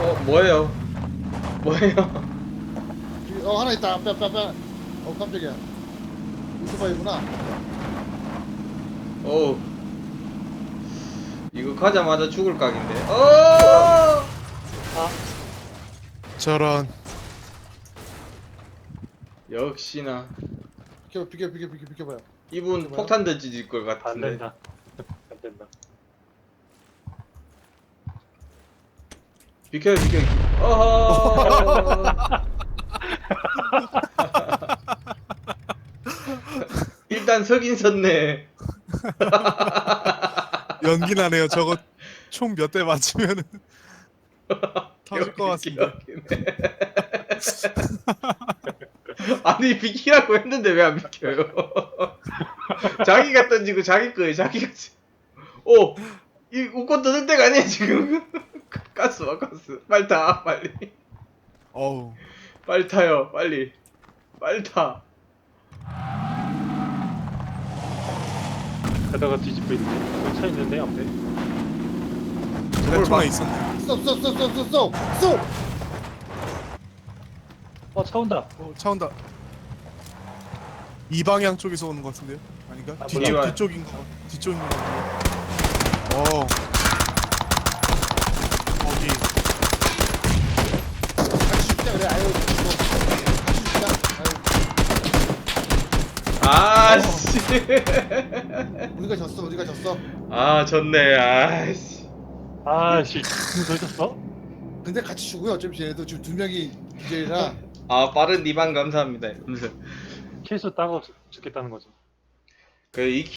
뭐예요? 뭐예요? 하나 있다. 빼. 깜짝이야. 오토바이구나. 어우. 이거 가자마자 죽을 각인데. 어! 저런. 역시나 비켜봐요. 이분 뭐야? 폭탄 던질 것 안 같은데. 된다. 안 된다. 비켜요. 어허. 일단 서긴 섰네. 연기 나네요. 저거 총 몇 대 맞으면은 터질 것 같습니다. 여기네. 아니 비키라고 했는데 왜 안 비켜요? 자기가 던지고 자기 거에 자기가. 오, 이 웃고 떠들 때가 아니야 지금. 가스 와 가스. 빨리 타 빨리. 어우. 빨리 타요 빨리. 빨리 타. 가다가 뒤집고 있네. 여기 차 있는데 앞에. 내 총에 있었네. 쏙. 차 온다. 차 온다. 이 방향 쪽에서 오는 것 같은데요? 아닌가? 아, 몰라. 뒤쪽인 것 같은데. 거기. 같이 죽자 그래. 아유. 아씨. 우리가 졌어. 아 졌네. 아씨. 아씨, 졌어? 근데 같이 죽어요. 어차피 쟤네도 지금 두 명이 기절이라. 아 빠른 리반 감사합니다. 이러면서 케이스 따고 죽겠다는 거죠. 그이